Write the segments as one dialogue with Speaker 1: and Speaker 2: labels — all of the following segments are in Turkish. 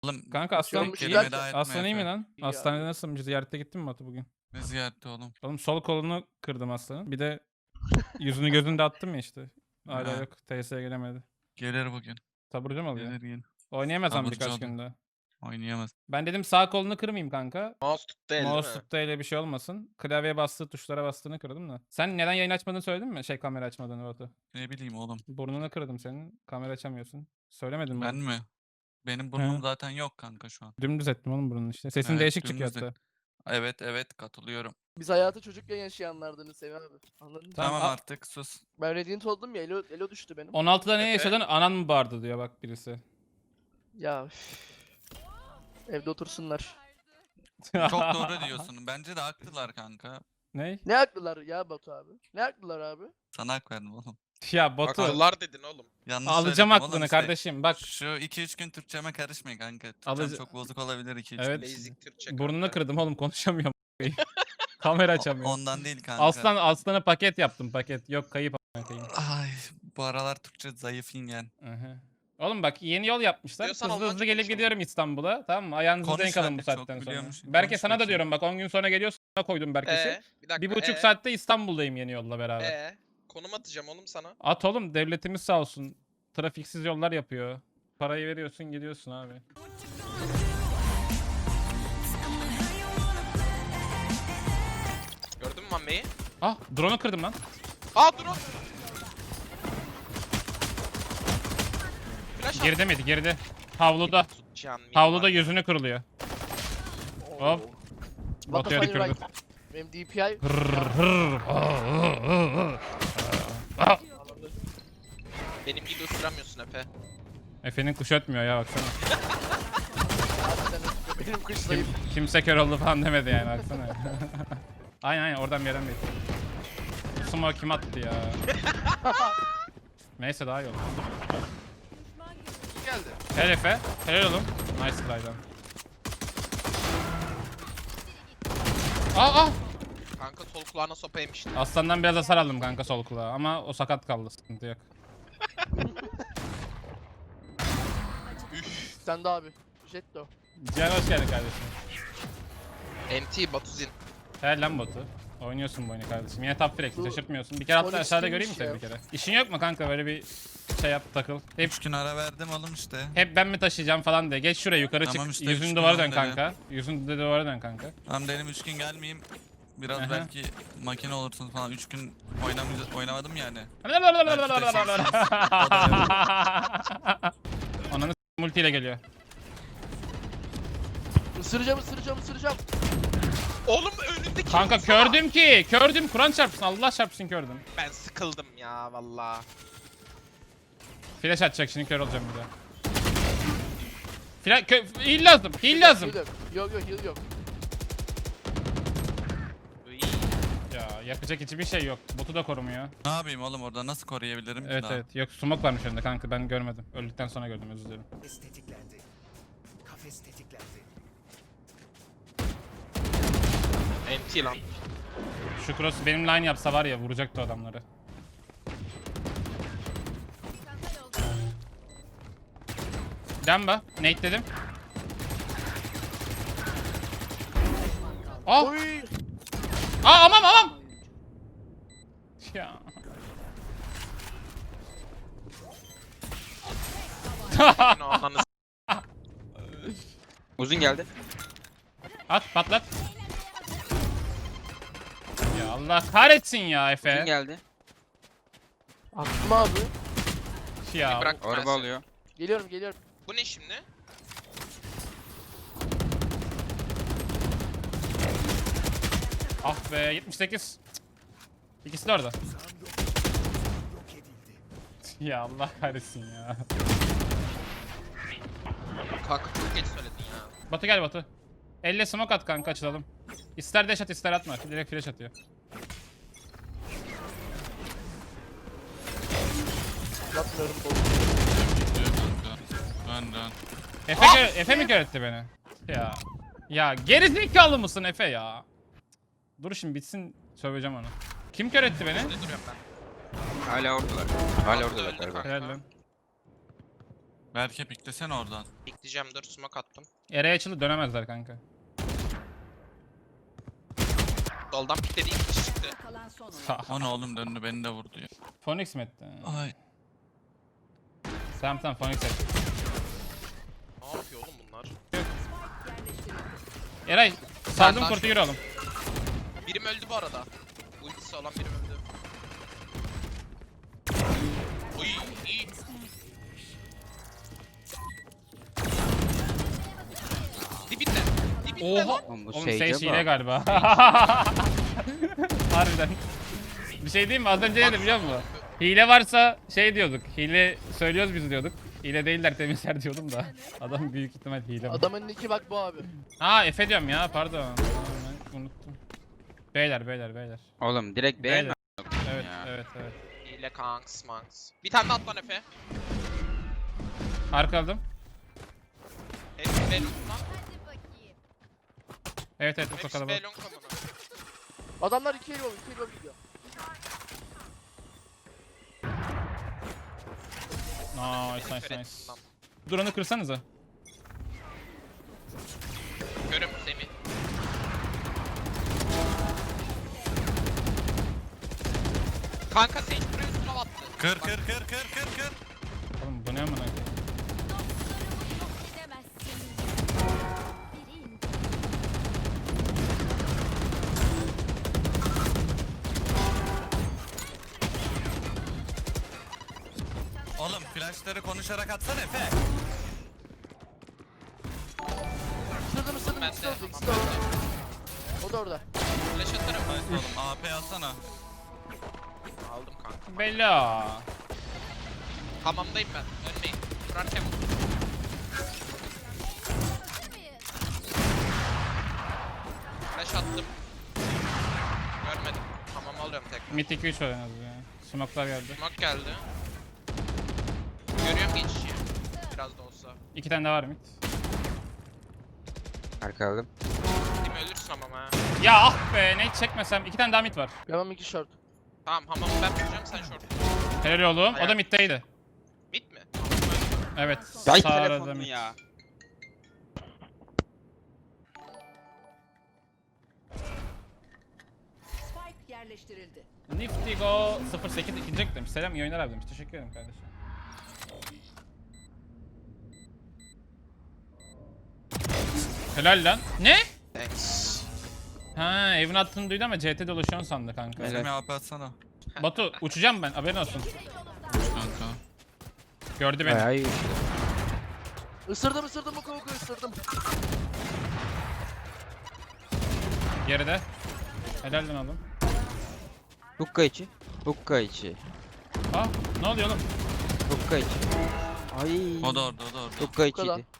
Speaker 1: Oğlum
Speaker 2: Kanka aslan,
Speaker 3: Olmuş
Speaker 1: kelime
Speaker 3: zaten.
Speaker 1: daha etme
Speaker 2: aslan iyi mi
Speaker 1: Efe.
Speaker 2: lan?
Speaker 3: İyi
Speaker 2: Hastanede
Speaker 3: abi.
Speaker 2: nasılsın? Ziyarete gittin mi Batu bugün?
Speaker 1: Ne ziyareti oğlum?
Speaker 2: Oğlum sol kolunu kırdım aslanın. Bir de yüzünü gözünü de attım ya işte. Hala
Speaker 1: Ha,
Speaker 2: yok. TS'ye gelemedi.
Speaker 1: gelir bugün.
Speaker 2: Taburcu mu oluyor?
Speaker 1: Gelir gelir.
Speaker 2: Oynayamaz ama
Speaker 1: Taburcu
Speaker 2: birkaç
Speaker 1: olur.
Speaker 2: günde.
Speaker 1: Oynayamaz.
Speaker 2: Ben dedim sağ kolunu kırmayayım kanka.
Speaker 3: Mouse tuttu el değil mi?
Speaker 2: Mouse tuttu öyle bir şey olmasın. Klavyeye bastığı tuşlara bastığını kırdım da. Sen neden yayın açmadığını söyledin mi? Şey kamera açmadığını Batu.
Speaker 1: Ne bileyim oğlum.
Speaker 2: Burnunu kırdım senin. Kamera açamıyorsun. Söylemedin mi?
Speaker 1: Ben mi? Benim
Speaker 2: He.
Speaker 1: burnum zaten yok kanka şu an.
Speaker 2: Dümdüz ettim oğlum burnunu işte. Sesin
Speaker 1: Evet,
Speaker 2: değişik çıkıyor
Speaker 1: dümdüz de.
Speaker 2: hatta.
Speaker 1: Evet katılıyorum.
Speaker 3: Biz hayatı çocukken yaşayanlardanız Sevi abi. Anladın mı?
Speaker 2: Tamam,
Speaker 1: Tamam
Speaker 2: a-
Speaker 1: artık sus.
Speaker 3: Ben Radiant oldum ya elo düştü benim.
Speaker 2: 16'da ne
Speaker 3: Efe?
Speaker 2: yaşadın? Anan mı bağırdı diyor bak birisi.
Speaker 3: Ya üf. Evde otursunlar.
Speaker 1: Çok doğru diyorsun. Bence de haklılar kanka.
Speaker 2: Ne?
Speaker 3: Ne haklılar ya Batu abi? Ne haklılar abi?
Speaker 1: Sana hak verdim oğlum.
Speaker 2: Ya Batu
Speaker 4: Akıllar dedin oğlum.
Speaker 1: Yanlış
Speaker 2: alacağım
Speaker 1: söyledim oğlum
Speaker 2: aklını
Speaker 1: işte.
Speaker 2: kardeşim bak.
Speaker 1: Şu 2-3 gün Türkçeme karışmayın kanka. Türkçem
Speaker 2: Alıcı-
Speaker 1: çok bozuk olabilir 2-3
Speaker 2: Evet.
Speaker 1: gün.
Speaker 4: Basic Türkçe
Speaker 2: Burnunu
Speaker 4: kanka.
Speaker 2: kırdım oğlum konuşamıyorum. Kamera açamıyorum.
Speaker 1: Ondan değil kanka.
Speaker 2: Aslana paket yaptım paket. Yok kayıp a**ına koyayım.
Speaker 1: Ay bu aralar Türkçe zayıf ingen.
Speaker 2: Aha. Oğlum bak yeni yol yapmışlar.
Speaker 4: Diyorsan
Speaker 2: Hızlı
Speaker 4: Almanca
Speaker 2: hızlı gelip
Speaker 4: konuşalım.
Speaker 2: gidiyorum İstanbul'a. Tamam mı? Ayağınızı
Speaker 1: Konuş
Speaker 2: denk alın
Speaker 1: hadi,
Speaker 2: bu
Speaker 1: çok
Speaker 2: saatten sonra.
Speaker 1: biliyormuş.
Speaker 2: Berke
Speaker 1: Konuş
Speaker 2: sana da
Speaker 1: bakayım.
Speaker 2: diyorum bak 10 gün sonra geliyorsun. Sana koydum Berke'si.
Speaker 4: Bir dakika.
Speaker 2: 1,5 saatte İstanbul'dayım yeni yolla beraber.
Speaker 4: Konum atacağım oğlum sana.
Speaker 2: At oğlum devletimiz sağ olsun. Trafiksiz yollar yapıyor. Parayı veriyorsun gidiyorsun abi.
Speaker 4: Gördün mü Mamme'yi?
Speaker 2: Ah drone'u kırdım lan.
Speaker 4: Aa dur o. Flash at.
Speaker 2: Geride miydi? Geride. Havluda.
Speaker 4: Tutacağın mini
Speaker 2: Havluda
Speaker 4: var.
Speaker 2: yüzünü kırılıyor. Hop.
Speaker 3: What
Speaker 2: Batu'ya
Speaker 3: the fuck
Speaker 2: tükürdü.
Speaker 3: right? Benim DPI.
Speaker 4: Benim gibi ısıramıyorsun Efe.
Speaker 2: Efe'nin kuşu ötmüyor ya baksana.
Speaker 3: Harbiden benim kuş zayıf.
Speaker 2: Kimse kör oldu falan demedi yani baksana. aynen oradan bir yerden bekliyor. Smoke kim attı ya? Neyse daha iyi oldu.
Speaker 4: Geldi.
Speaker 2: Helal Efe. Helal oğlum. Nice try'dan. Aa!
Speaker 4: Kanka sol kulağına sopa yemişti.
Speaker 2: Aslandan biraz hasar aldım kanka sol kulağa ama o sakat kaldı sıkıntı yok.
Speaker 3: Sen de abi. Jetto.
Speaker 2: Cihan hoş geldin kardeşim.
Speaker 4: MT Batuzin.
Speaker 2: Helal lan Batu. Oynuyorsun bu oyunu kardeşim. Yine top frag'si şaşırtmıyorsun. Bir kere hatta
Speaker 3: Onyx
Speaker 2: aşağıda
Speaker 3: değilmiş
Speaker 2: göreyim mi seni
Speaker 3: ya.
Speaker 2: bir kere? İşin yok mu kanka böyle bir şey yap takıl. Hep
Speaker 1: 3 gün ara verdim oğlum işte.
Speaker 2: hep ben mi taşıyacağım falan diye. Geç şuraya yukarı
Speaker 1: Tamam
Speaker 2: çık.
Speaker 1: işte,
Speaker 2: Yüzünü
Speaker 1: üç
Speaker 2: duvara
Speaker 1: gün
Speaker 2: dön
Speaker 1: oldu
Speaker 2: kanka. Yüzünü duvara dön kanka.
Speaker 1: Tamam dedim 3 gün gelmeyeyim. Biraz
Speaker 2: Aha.
Speaker 1: belki makine olursunuz falan. 3 gün oynamadım yani.
Speaker 2: Ananı multiyle geliyor.
Speaker 3: Isıracağım.
Speaker 4: Oğlum önündeki.
Speaker 2: Kanka kördüm ki. Kördüm. Kur'an çarpsın. Allah çarpsın kördüm.
Speaker 4: Ben sıkıldım ya valla.
Speaker 2: Flash atacak şimdi kör olacağım bir daha. Heal lazım. Heal lazım.
Speaker 3: Yok heal yok.
Speaker 2: Ya yapacak hiçbir şey yok. Botu da korumuyor.
Speaker 1: Ne yapayım oğlum orada nasıl koruyabilirim ki
Speaker 2: Evet
Speaker 1: daha?
Speaker 2: evet. Yok smoke varmış önünde kanka ben görmedim. Öldükten sonra gördüm özür dilerim.
Speaker 5: Kafes tetiklendi. Kafes tetiklendi.
Speaker 4: MT lan.
Speaker 2: Şu cross benim line yapsa var ya vuracaktı adamları. Demba. Nate dedim. Ah!
Speaker 3: Oy.
Speaker 2: Aa aman! Ya.
Speaker 4: Yine ananı s-
Speaker 6: Uzun geldi.
Speaker 2: At patlat. Ya Allah kahretsin ya
Speaker 6: Uzun
Speaker 2: Efe.
Speaker 6: geldi.
Speaker 3: Attım abi.
Speaker 2: Ya.
Speaker 4: Bırak ben
Speaker 6: Araba
Speaker 4: seni.
Speaker 6: alıyor.
Speaker 3: Geliyorum.
Speaker 4: Bu ne şimdi?
Speaker 2: Ah be 78. Cık. İkisi de orada.
Speaker 5: Yok edildi.
Speaker 2: Ya Allah kahretsin ya.
Speaker 4: Kanka çok geç söyledin ya.
Speaker 2: Batu gel Batu. Elle smoke at kanka açılalım. İster dash at ister atma. Direkt flash atıyor.
Speaker 3: Yapmıyorum.
Speaker 1: Dön.
Speaker 2: Efe mi kör etti beni? Ya. Ya gerizekalı mısın Efe ya? Dur şimdi bitsin söveceğim onu. Kim kör etti beni?
Speaker 4: Ne duruyorum ben?
Speaker 6: Hala oradalar. Hala
Speaker 4: Öldü
Speaker 6: oradalar galiba.
Speaker 4: kanka.
Speaker 2: Helal lan.
Speaker 1: Berke piklesene oradan.
Speaker 4: Bekleyeceğim, dur smoke attım.
Speaker 2: Era'ya açıldı dönemezler kanka.
Speaker 4: Soldan pikledi, ilk kişi çıktı.
Speaker 6: Kalan son oyun.
Speaker 1: O ne oğlum, döndü beni de vurdu ya.
Speaker 2: Phoenix mi etti?
Speaker 1: Ay.
Speaker 2: Tamam Phoenix etti.
Speaker 4: Ne yapıyor oğlum bunlar?
Speaker 6: Yerleştirildi.
Speaker 2: Eray sardım
Speaker 4: daha
Speaker 2: kurtu
Speaker 4: şu-
Speaker 2: yürü oğlum.
Speaker 4: Birim öldü bu arada. Ultisi olan birim öldü. Uy iyi. Dibinde. Dibinde
Speaker 2: Oha!
Speaker 4: lan.
Speaker 7: Oğlum bu
Speaker 2: Oğlum
Speaker 7: Sage'e
Speaker 2: Sage hile
Speaker 7: bak.
Speaker 2: galiba. Harbiden. Bir şey diyeyim mi? Az önce ne dedim biliyor musun? Hile varsa şey diyorduk. Hile söylüyoruz biz diyorduk. Hile değiller temizler diyordum da. Adam büyük ihtimal hile.
Speaker 3: Adamın nicki bak bu abi.
Speaker 2: Ha Efe diyorum ya pardon. Tamam, ben unuttum. Beyler.
Speaker 7: Oğlum direkt
Speaker 2: Beyler.
Speaker 7: beğenme.
Speaker 2: Evet
Speaker 7: Ya.
Speaker 2: evet.
Speaker 4: Hile kanks manks. Bir tane daha at lan Efe.
Speaker 2: Arka aldım.
Speaker 4: Hepsi belon lan.
Speaker 2: Evet bu
Speaker 4: Hepsi
Speaker 2: kalabalık.
Speaker 4: belon kamına.
Speaker 3: Adamlar 2 yol gidiyor.
Speaker 2: Nice. Duran'ı kırsanıza.
Speaker 4: Görüm Semih. Kanka Sage buraya üstüne attı.
Speaker 1: Kır
Speaker 4: Bak,
Speaker 1: kır kır kır kır kır.
Speaker 2: Oğlum bu ne amına koyayım?
Speaker 1: Oğlum flashları konuşarak atsana Efe.
Speaker 3: Isırdım
Speaker 4: Ben
Speaker 3: ikisi
Speaker 4: de.
Speaker 3: de orada, ikisi de orada. O da orada.
Speaker 4: Flash atarım.
Speaker 1: Nice oğlum, AP alsana.
Speaker 4: Aldım kanka.
Speaker 2: Bella.
Speaker 4: Hamamdayım ben. Ölmeyin. Kurarken flash attım. Görmedim. Hamam alıyorum tekrar.
Speaker 2: Mid 2-3 var en az ya. Smoke'lar geldi.
Speaker 4: Smoke geldi. Görüyorum geçişi. Biraz da olsa.
Speaker 2: 2 tane daha var mid.
Speaker 7: Arka aldım.
Speaker 4: Değil mi ölürsün hamam ha.
Speaker 2: Ya ah be ne çekmesem. 2 tane daha mid var.
Speaker 3: Devam 2 short.
Speaker 4: Tamam hamamı ben tutacağım sen short.
Speaker 2: Helal oğlum. O da
Speaker 4: Ayak.
Speaker 2: middeydi.
Speaker 4: Mid mi?
Speaker 2: Evet.
Speaker 7: Ay
Speaker 2: Sağ arada
Speaker 7: telefonun
Speaker 2: mid.
Speaker 7: ya.
Speaker 6: Spike yerleştirildi.
Speaker 2: Nifty Go 08 ikinci demiş. Selam iyi oyunlar abi demiş. Teşekkür ederim kardeşim. Helal lan. Ne?
Speaker 4: Thanks.
Speaker 2: Ha evin attığını duydu ama CT dolaşıyorsun sandı kanka.
Speaker 7: Evet.
Speaker 1: Semih AP atsana.
Speaker 2: Batu uçacağım ben haberin olsun.
Speaker 1: Kanka.
Speaker 2: Gördü beni.
Speaker 7: Bayağı iyi.
Speaker 3: Isırdım oku ısırdım.
Speaker 2: Geride. Helal lan oğlum.
Speaker 7: Hukka içi. Hukka içi.
Speaker 2: Aa ne oluyor oğlum?
Speaker 7: Hukka içi. Ay.
Speaker 1: O da orada.
Speaker 7: Hukka
Speaker 3: kadar.
Speaker 7: içiydi.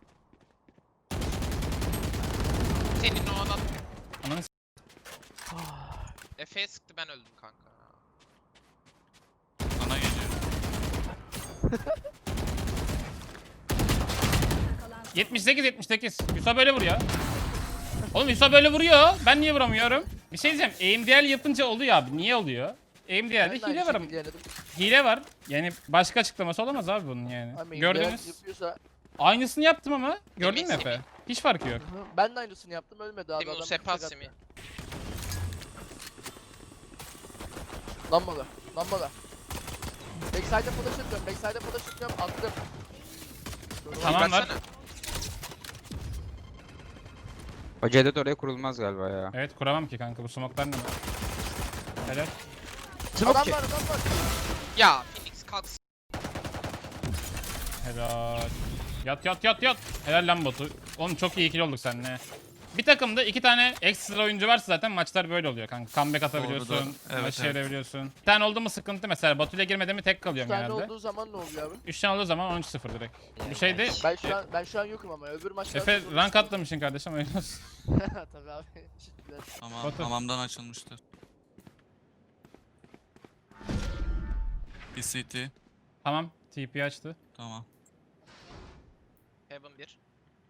Speaker 4: Senin o adam
Speaker 2: Ananı s-
Speaker 4: Efe'ye sıktı ben öldüm kanka.
Speaker 1: Sana geliyor.
Speaker 6: Kalan son
Speaker 2: 78. Yusuf böyle vuruyor. Oğlum Yusuf böyle vuruyor. Ben niye vuramıyorum? Bir şey diyeceğim. AMDL yapınca oluyor abi. Niye oluyor? AMDL'de
Speaker 3: Ben de
Speaker 2: hile
Speaker 3: aynı
Speaker 2: var.
Speaker 3: şekilde denedim.
Speaker 2: Hile var. Yani başka açıklaması olamaz abi bunun yani.
Speaker 3: Ama
Speaker 2: Gördünüz.
Speaker 3: yapıyorsa...
Speaker 2: Aynısını yaptım ama. Gördün mü
Speaker 4: Semih,
Speaker 2: Efe? Hiç farkı yok.
Speaker 3: Hı, ben de aynısını yaptım ölmedi abi.
Speaker 4: Semih
Speaker 3: adam
Speaker 4: Usepa
Speaker 3: bıçak
Speaker 4: Semih.
Speaker 3: attı. Lambalar. Backside'e flash atıyorum. Attım.
Speaker 2: Tamam var.
Speaker 4: Versene.
Speaker 7: O Cedet oraya kurulmaz galiba ya.
Speaker 2: Evet kuramam ki kanka bu smoke'lar ne? Helal.
Speaker 3: Adam var.
Speaker 4: Ya Phoenix kalksın.
Speaker 2: Helal. Yat. Helal lan botu. Oğlum çok iyi ikili olduk seninle. Bir takımda 2 tane ekstra oyuncu varsa zaten maçlar böyle oluyor kanka. Comeback atabiliyorsun,
Speaker 1: Doğru. Evet,
Speaker 2: maçı
Speaker 1: evet.
Speaker 2: çevirebiliyorsun. Bir tane oldu mu sıkıntı mesela. Batu'yla girmedi mi tek
Speaker 3: 3
Speaker 2: kalıyorum
Speaker 3: tane
Speaker 2: genelde.
Speaker 3: olduğu zaman ne oluyor abi?
Speaker 2: 3 tane olduğu zaman 13-0 direkt. Bu şeyde
Speaker 3: Ben şu an yokum ama öbür maçlarda...
Speaker 2: Efe rank atlamışsın kardeşim oyun olsun.
Speaker 3: Tabii abi. Teşekkürler.
Speaker 1: Tamam,
Speaker 2: Batu.
Speaker 1: hamamdan açılmıştır. Bir CT.
Speaker 2: Tamam TP açtı.
Speaker 1: Tamam.
Speaker 4: Heaven 1.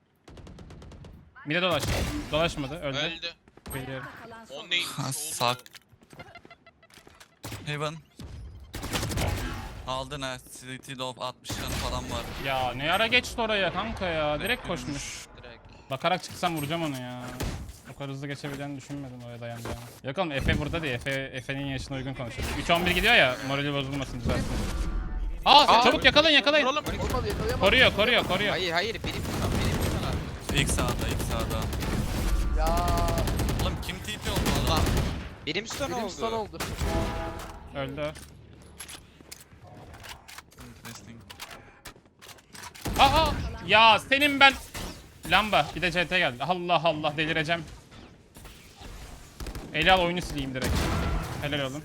Speaker 2: Mide dolaştı. Dolaşmadı öldü.
Speaker 4: Öldü.
Speaker 2: Biliyorum.
Speaker 6: kalan son
Speaker 4: O
Speaker 6: oyun.
Speaker 4: neymiş
Speaker 1: Ha,
Speaker 4: oğlum?
Speaker 1: sak. Heaven. Aldın ha. City Lob 60 canı falan var.
Speaker 2: Ya ne ara geçti oraya kanka ya. Direkt koşmuş.
Speaker 4: Direkt.
Speaker 2: Bakarak çıksam vuracağım onu ya. O kadar hızlı geçebileceğini düşünmedim oraya dayanacağını. Yok oğlum Efe burada değil. Efe'nin yaşına uygun konuşuyor. 3-11 gidiyor ya, morali bozulmasın düzelsin. Aa çabuk yakalayın yakalayın.
Speaker 4: Vuralım.
Speaker 3: Olmadı yakalayamadım.
Speaker 2: Koruyor.
Speaker 7: Hayır benim tutam benim tutam.
Speaker 1: İlk sağda.
Speaker 3: Ya.
Speaker 1: Oğlum kim TP oldu valla?
Speaker 7: Benim stun
Speaker 3: Benim stun
Speaker 7: oldu.
Speaker 3: oldu.
Speaker 2: Öldü.
Speaker 1: Interesting.
Speaker 2: Aa ya senin ben. Lamba bir de CT geldi. Allah Allah delireceğim. Eli al oyunu sileyim direkt. Helal oğlum.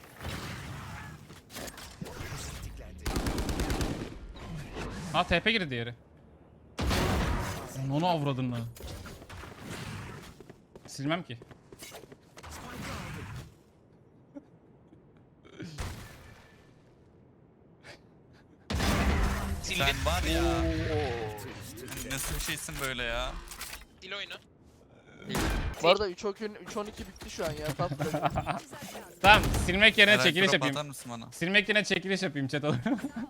Speaker 2: Ha TP girdi diğeri. Onu avradın mı? Silmem ki.
Speaker 4: Sildin.
Speaker 1: Sen var ya. Nasıl bir şeysin böyle ya?
Speaker 4: Sil oyunu.
Speaker 3: Bu arada 3-12 bitti şu an ya. Tatlı.
Speaker 2: Tamam silmek yerine
Speaker 1: Herhalde
Speaker 2: çekiliş
Speaker 1: drop
Speaker 2: yapayım.
Speaker 1: atar mısın bana?
Speaker 2: Silmek yerine çekiliş yapayım chat olur.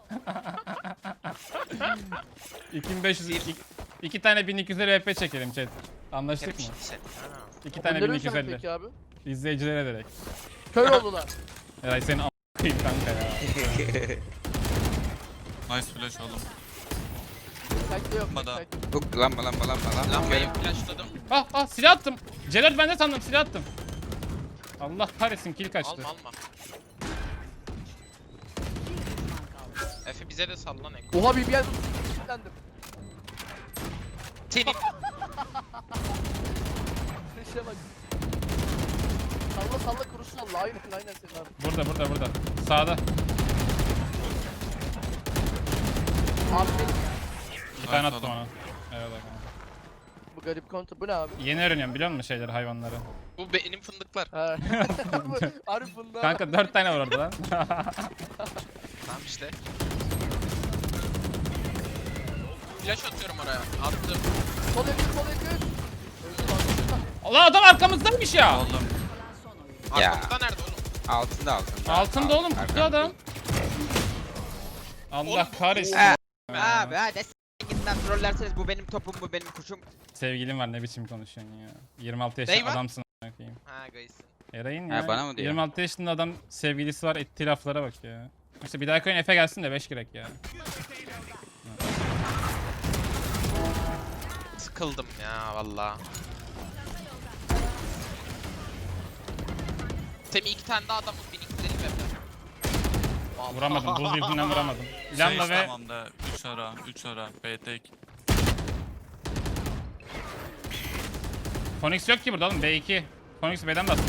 Speaker 2: 2500 iki tane 1250 VP çekelim chat. Anlaştık mı?
Speaker 4: Sen.
Speaker 2: 2 tane
Speaker 3: Öldürür müsün
Speaker 2: 1250.
Speaker 3: peki abi?
Speaker 2: İzleyicilere direkt.
Speaker 3: Kör oldular.
Speaker 2: Eray senin a**ayım kanka ya.
Speaker 1: Nice flash oğlum.
Speaker 3: Backside yok.
Speaker 1: Yapma da.
Speaker 3: backside.
Speaker 7: Hook lamba.
Speaker 4: Lambayı flashladım.
Speaker 2: Ah silah attım. Celal bende sandım silah attım. Allah kahretsin kill kaçtı.
Speaker 4: Alma. Efe bize de sallan Eko.
Speaker 3: Oha bir yer kilitlendim.
Speaker 4: Senin.
Speaker 3: Neşe bak. Salla kurusu salla. Aynen senin abi.
Speaker 2: Burada. Sağda.
Speaker 3: Abi benim
Speaker 2: Bir tane
Speaker 1: Evet,
Speaker 2: attım
Speaker 1: oğlum.
Speaker 2: ona. Evet kanka.
Speaker 3: bu garip kontu bu ne abi?
Speaker 2: Yeni öğreniyorum biliyor musun şeyleri hayvanları.
Speaker 4: Bu benim fındıklar.
Speaker 3: He. Arif bunda.
Speaker 2: Kanka 4 tane var orada lan.
Speaker 4: Tamam işte. Flash atıyorum oraya. Attım.
Speaker 3: Sol yakın. Öldü lan.
Speaker 2: Allah adam arkamızdaymış ya.
Speaker 1: Oğlum.
Speaker 7: Ya.
Speaker 4: Arkamızda nerede oğlum?
Speaker 7: Altında.
Speaker 2: Altında oğlum
Speaker 7: Arkamda.
Speaker 2: kutu adam. Allah
Speaker 4: Oğlum,
Speaker 2: kahretsin.
Speaker 7: Abi hadi gidin lan trollerseniz bu benim topum bu benim kuşum.
Speaker 2: Sevgilim var ne biçim konuşuyorsun ya. 26
Speaker 4: Ney
Speaker 2: yaşında
Speaker 4: var?
Speaker 2: adamsın a**ına koyayım.
Speaker 4: Ha gaysin.
Speaker 2: Eray'ın
Speaker 7: Ha,
Speaker 2: ya.
Speaker 7: bana mı diyor?
Speaker 2: 26 yaşında adam sevgilisi var ettiği laflara bak ya. İşte bir dahaki oyun Efe gelsin de 5 girek ya.
Speaker 4: Sıkıldım ya valla. Temi 2 tane daha adamın 1250 verdi.
Speaker 2: Vuramadım buz yüzünden vuramadım. Lamba ve
Speaker 1: Tamam da 3 ara. B tek.
Speaker 2: Phoenix yok ki burada oğlum B2. Phoenix B'den bastı.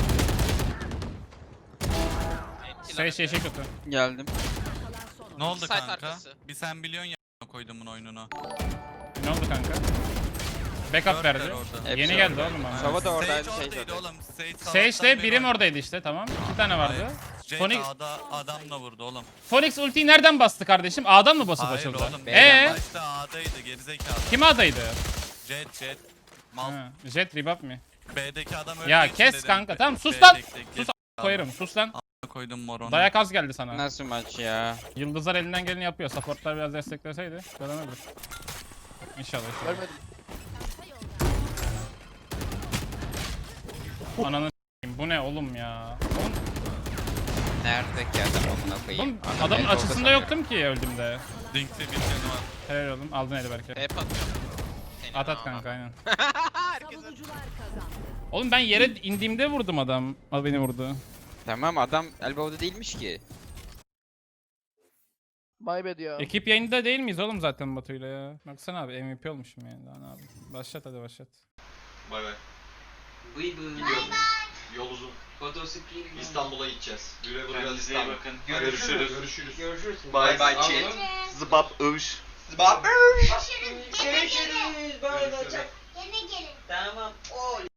Speaker 2: Şey kötü.
Speaker 7: Geldim.
Speaker 1: Ne oldu
Speaker 4: Site
Speaker 1: kanka?
Speaker 4: arkası.
Speaker 1: Bir sen biliyorsun ya koydum bunun oyununu.
Speaker 2: Ne oldu kanka? Backup
Speaker 1: Dörtler
Speaker 2: verdi.
Speaker 1: orada.
Speaker 7: Hepsi
Speaker 2: Yeni geldi
Speaker 7: orada.
Speaker 2: oğlum bana.
Speaker 7: Sova da oradaydı,
Speaker 1: Sage
Speaker 7: Sage
Speaker 1: oradaydı
Speaker 7: oradaydı.
Speaker 1: oğlum. Sage
Speaker 2: Sage'de
Speaker 1: sabahtan
Speaker 2: birim
Speaker 1: beri
Speaker 2: oradaydı işte tamam. 2 tane vardı.
Speaker 1: Hayır. Jet
Speaker 2: Phoenix,
Speaker 1: A'da adamla vurdu oğlum.
Speaker 2: Phoenix ultiyi nereden bastı kardeşim? A'dan mı basıp
Speaker 1: Hayır
Speaker 2: açıldı?
Speaker 1: oğlum. Başta A'daydı gerizekalı.
Speaker 2: Kim A'daydı?
Speaker 1: Jet. Mal.
Speaker 2: Ha, Jet Rebap mi?
Speaker 1: B'deki adam öldüğü
Speaker 2: Ya
Speaker 1: için
Speaker 2: kes
Speaker 1: dedim.
Speaker 2: kanka tamam sus
Speaker 1: B
Speaker 2: lan.
Speaker 1: tek,
Speaker 2: Sus
Speaker 1: gerizekalı.
Speaker 2: koyarım sus lan.
Speaker 1: Koydum moronu.
Speaker 2: Dayak az geldi sana.
Speaker 7: Nasıl maç ya?
Speaker 2: Yıldızlar elinden geleni yapıyor. Supportlar biraz destekleseydi kazanırdı. İnşallah.
Speaker 3: Görmedim.
Speaker 2: Ananı s**eyim, bu ne oğlum ya? Oğlum,
Speaker 7: Nerede ki adam amına koyayım?
Speaker 2: oğlum
Speaker 7: Adam
Speaker 2: adamın
Speaker 7: el orta
Speaker 2: açısında
Speaker 7: sanıyor.
Speaker 2: yoktum ki öldüğümde.
Speaker 1: Dink'te bir canı var.
Speaker 2: Helal oğlum aldın eli belki.
Speaker 4: Hep atıyorum. Senin
Speaker 2: At
Speaker 4: ama.
Speaker 2: kanka aynen.
Speaker 4: Herkese.
Speaker 6: Savunucular kazandı.
Speaker 2: Oğlum ben yere indiğimde vurdum adam. O beni vurdu.
Speaker 7: Tamam adam elbow'da değilmiş ki.
Speaker 3: My bad ya.
Speaker 2: Ekip yayında değil miyiz oğlum zaten Batu'yla ya? Baksana abi MVP olmuşum yani daha ne abi. Başlat hadi başlat.
Speaker 8: Bay bay. Gidiyorum. Yol uzun. İstanbul'a gideceğiz. Güle güle
Speaker 9: Kendinize iyi
Speaker 8: İstanbul.
Speaker 9: bakın.
Speaker 8: Görüşürüz.
Speaker 9: Görüşürüz.
Speaker 8: Bay bay chat. Zıbap övüş. Zıbap
Speaker 9: Görüşürüz. Görüşürüz. Görüşürüz. Yine gelin. Tamam.